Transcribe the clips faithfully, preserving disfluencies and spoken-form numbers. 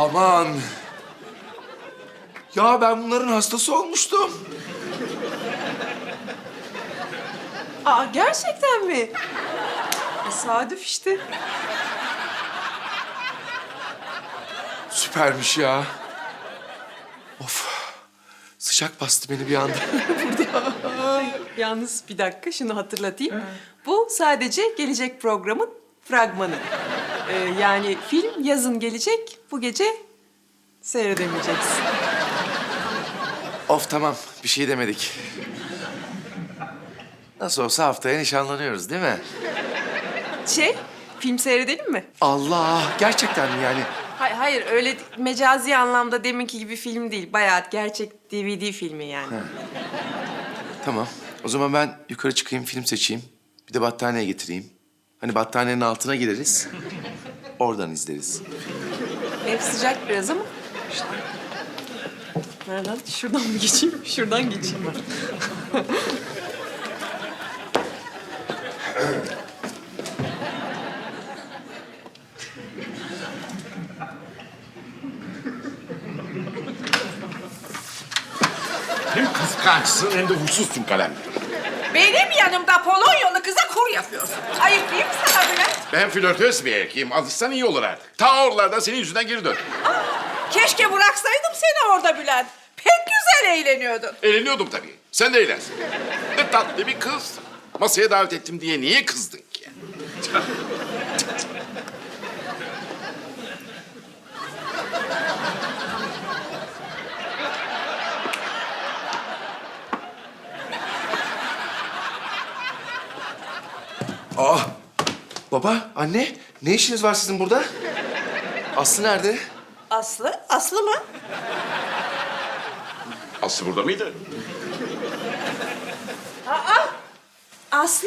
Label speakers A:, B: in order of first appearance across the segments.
A: Aman. Ya ben bunların hastası olmuştum.
B: Aa, gerçekten mi? Tesadüf işte.
A: Süpermiş ya. Of. Sıcak bastı beni bir anda.
B: Yalnız bir dakika şunu hatırlatayım. Bu sadece gelecek programın fragmanı. Ee, yani film yazın gelecek, bu gece seyredemeyeceksin.
A: Of tamam. Bir şey demedik. Nasıl olsa haftaya nişanlanıyoruz değil mi?
B: Şey, film seyredelim mi?
A: Allah. Gerçekten mi yani?
B: Hayır, hayır öyle mecazi anlamda deminki gibi film değil. Bayağı gerçek D V D filmi yani.
A: Tamam. O zaman ben yukarı çıkayım, film seçeyim. Bir de battaniye getireyim. Hani battaniyenin altına gireriz. Oradan izleriz.
B: Ev sıcak biraz ama. Nereden? Şuradan mı geçeyim? Şuradan geçeyim ben.
C: Hem kıskançsın hem de huysuzsun kalem.
D: Benim yanımda Polonyalı kıza kur yapıyorsun. Ayıp değil mi sana Bülent?
C: Ben flörtöz bir erkeğim. Alışsan iyi olur artık. Ta oralardan senin yüzünden geri dön.
D: Keşke bıraksaydım seni orada Bülent. Pek güzel eğleniyordun.
C: Eğleniyordum tabii. Sen de eğlensin. Ne tatlı bir kız. Masaya davet ettim diye niye kızdın ki?
A: Aa! Baba, anne. Ne işiniz var sizin burada? Aslı nerede?
D: Aslı? Aslı mı?
C: Aslı burada mıydı?
D: Aslı?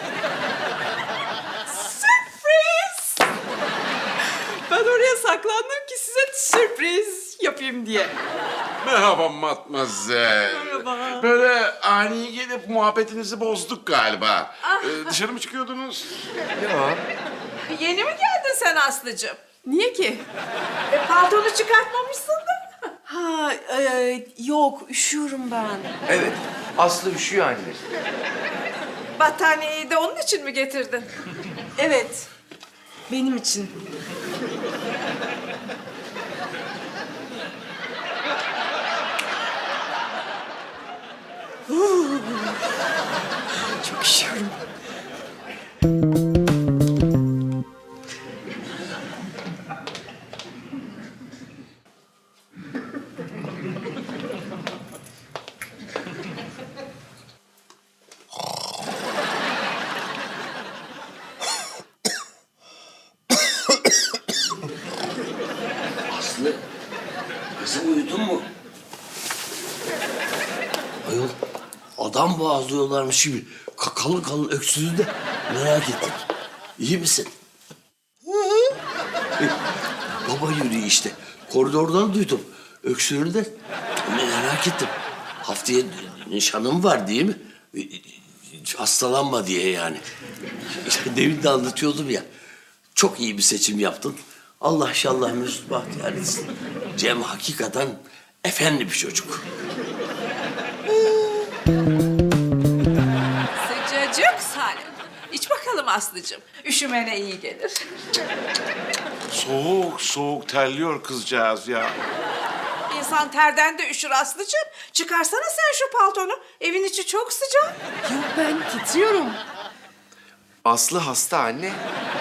D: Sürpriz!
B: Ben oraya saklandım ki size sürpriz yapayım diye.
C: Merhaba matmazel.
B: Merhaba.
C: Böyle ani gelip muhabbetinizi bozduk galiba. Ee, dışarı mı çıkıyordunuz?
A: Ya.
D: Yeni mi geldin sen Aslıcığım?
B: Niye ki?
D: E, paltonu çıkartmamışsın da.
B: Ha, e, yok üşüyorum ben.
A: Evet. Aslı üşüyor anne.
D: Battaniyeyi de onun için mi getirdin?
B: Evet, benim için. Çok üşüyorum.
E: Aslı, kızım uyudun mu? Ayol, adam boğazlıyorlarmış gibi ka- kalın kalın öksürdü de merak ettim. İyi misin? Hı hı. Baba yürüyor işte. Koridordan duydum. Öksürüğünü de merak ettim. Haftaya nişanım var değil mi? Hastalanma diye yani. İşte demin de anlatıyordum ya. Çok iyi bir seçim yaptın. Allah şallah mesut bahtiyar etsin. Cem hakikaten efendi bir çocuk.
D: Sıcacık Salim. İç bakalım Aslıcığım. Üşümene iyi gelir.
C: Soğuk soğuk terliyor kızcağız ya.
D: İnsan terden de üşür Aslıcığım. Çıkarsana sen şu paltonu. Evin içi çok sıcak.
B: Yok ben titriyorum.
A: Aslı hasta anne.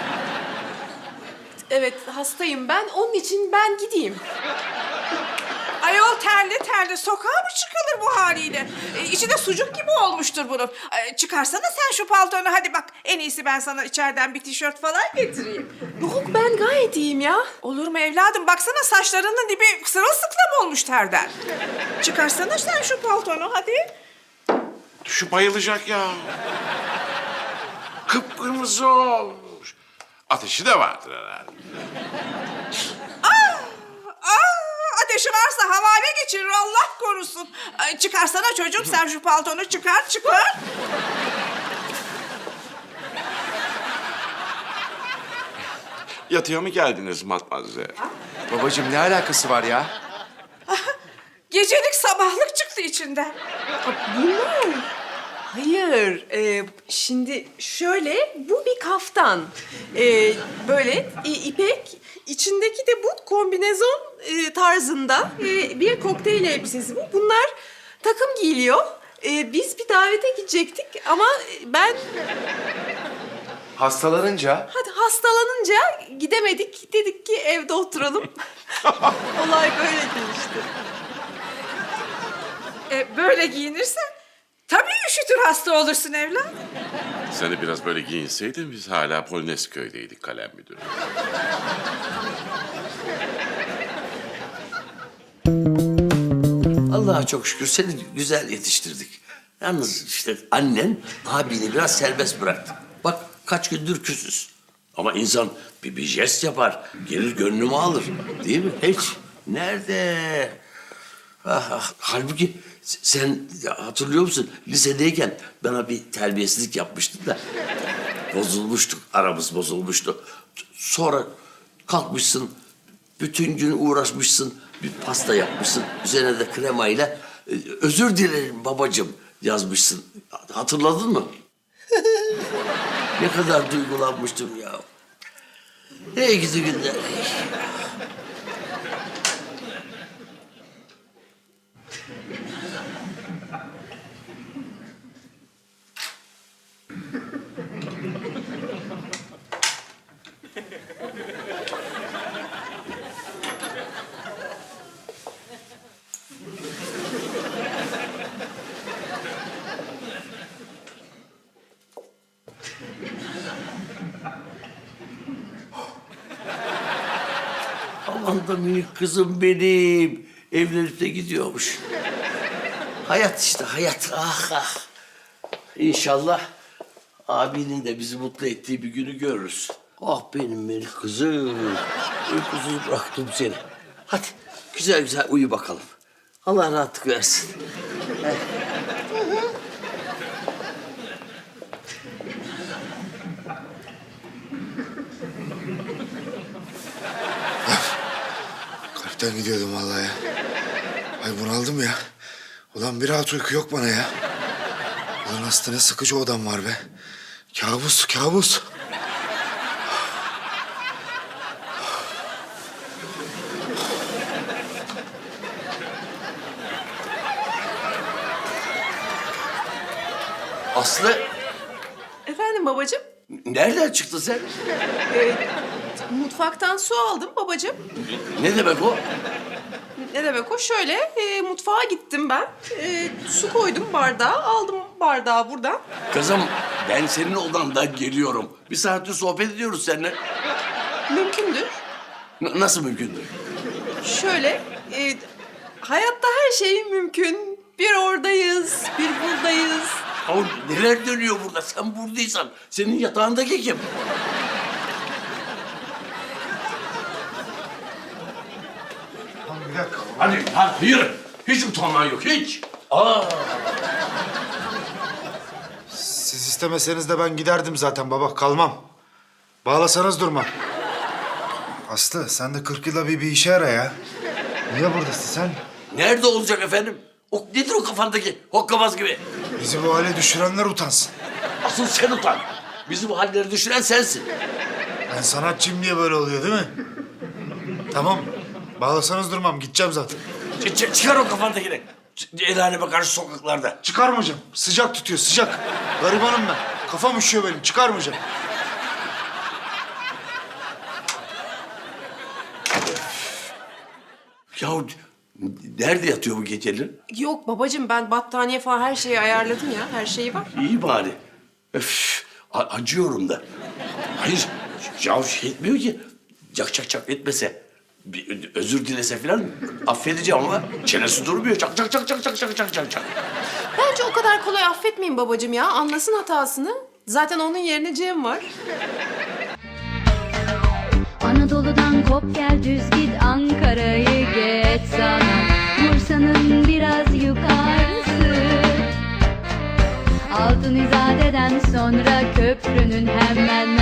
B: Evet hastayım ben. Onun için ben gideyim.
D: Ayol terli terli sokağa mı çıkılır bu haliyle? E, içi de sucuk gibi olmuştur bunun. E, çıkarsana sen şu paltonu hadi bak. En iyisi ben sana içeriden bir tişört falan getireyim.
B: Yok ben gayet iyiyim ya.
D: Olur mu evladım? Baksana saçlarının dibi sırılsıklam olmuş terden. Çıkarsana sen şu paltonu hadi.
C: Şu bayılacak ya. Kıpkırmızı olmuş. Ateşi de vardır herhalde.
D: Aa, ateşi varsa havale geçirir Allah korusun. Ay, çıkarsana çocuğum sen şu paltonu çıkar çıkar.
C: Yatıya mı geldiniz matmazel?
A: Babacığım ne alakası var ya?
D: Gecelik sabahlık çıktı içinden.
B: Bunlar... Hayır, e, şimdi şöyle, bu bir kaftan. E, böyle e, ipek, içindeki de bu kombinezon e, tarzında e, bir kokteyl elbisesi bu. Bunlar takım giyiliyor. E, biz bir davete gidecektik ama ben
A: Hastalanınca
B: hadi hastalanınca gidemedik. Dedik ki evde oturalım. Olay böyle gelişti.
D: E, böyle giyinirsen tabii üşütür, hasta olursun evlat.
C: Sen de biraz böyle giyinseydin biz hala Polonezköy'deydik kalem müdürü.
E: Allah'a çok şükür seni güzel yetiştirdik. Yalnız işte annen abini biraz serbest bıraktı. Bak kaç gündür küsüz. Ama insan bir, bir jest yapar, gelir gönlümü alır. Değil mi? Hiç. Nerede? Ah, ah. Halbuki sen hatırlıyor musun? Lisedeyken bana bir terbiyesizlik yapmıştın da. Bozulmuştuk, aramız bozulmuştu. Sonra kalkmışsın, bütün gün uğraşmışsın, bir pasta yapmışsın. Üzerine de kremayla e, özür dilerim babacığım yazmışsın. Hatırladın mı? Ne kadar duygulanmıştım ya. Ne gidi günler. Aman da minik kızım benim. Evlenip de gidiyormuş. Hayat işte hayat. Ah ah. İnşallah abinin de bizi mutlu ettiği bir günü görürüz. Ah benim minik kızım. Uykusuz bıraktım seni. Hadi güzel güzel uyu bakalım. Allah rahatlık versin.
F: Kalpten gidiyordum vallahi ya. Ay bunaldım ya. Ulan bir rahat uyku yok bana ya. Ulan hasta ne sıkıcı odam var be. Kabus, kabus.
E: Aslı
B: Efendim babacığım?
E: nereden çıktın sen?
B: Mutfaktan su aldım babacığım.
E: Ne demek o?
B: Ne demek o? Şöyle e, mutfağa gittim ben. E, su koydum bardağa. Aldım bardağı buradan.
E: Kızım ben senin odandan geliyorum. Bir saattir sohbet ediyoruz seninle.
B: Mümkündür.
E: N- nasıl mümkündür?
B: Şöyle e, hayatta her şey mümkün. Bir oradayız, bir buradayız.
E: Ama neler dönüyor burada? Sen buradaysan senin yatağındaki kim?
F: Bir dakika.
E: Hadi, hadi yürü. Hiç utanman yok, hiç. Aa,
F: Siz istemeseniz de ben giderdim zaten baba. Kalmam. Bağlasanız durmam. Aslı sen de kırk yılda bir bir işe ara ya. Niye buradasın sen?
E: nerede olacak efendim? O nedir o kafandaki hokkabaz gibi?
F: Bizi bu hale düşürenler utansın.
E: Asıl sen utan. Bizi bu halleri düşüren sensin.
F: Ben sanatçıyım diye böyle oluyor değil mi? Tamam. Bağlasanız durmam. Gideceğim zaten.
E: Ç- ç- çıkar o kafandakini. Ç- El aleme karşı sokaklarda.
F: Çıkarmayacağım. Sıcak tutuyor, sıcak. Garibanım ben. Kafam üşüyor benim. Çıkarmayacağım.
E: Ya nerede yatıyor bu geceleri?
B: Yok babacığım ben battaniye falan her şeyi ayarladım ya. Her şeyi var.
E: İyi bari. Öf, a- acıyorum da. Hayır, ya şey etmiyor ki. Cak cak cak etmese, bir özür dilese falan affedeceğim ama çenesi durmuyor. Çak çak çak çak çak çak çak çak çak.
B: Bence o kadar kolay affetmeyin babacığım ya. Anlasın hatasını. Zaten onun yerine Cem var.
G: Anadolu'dan kop gel düz git Ankara'yı geç sana Bursa'nın biraz yukarısı Altın İzade'den sonra köprünün hemen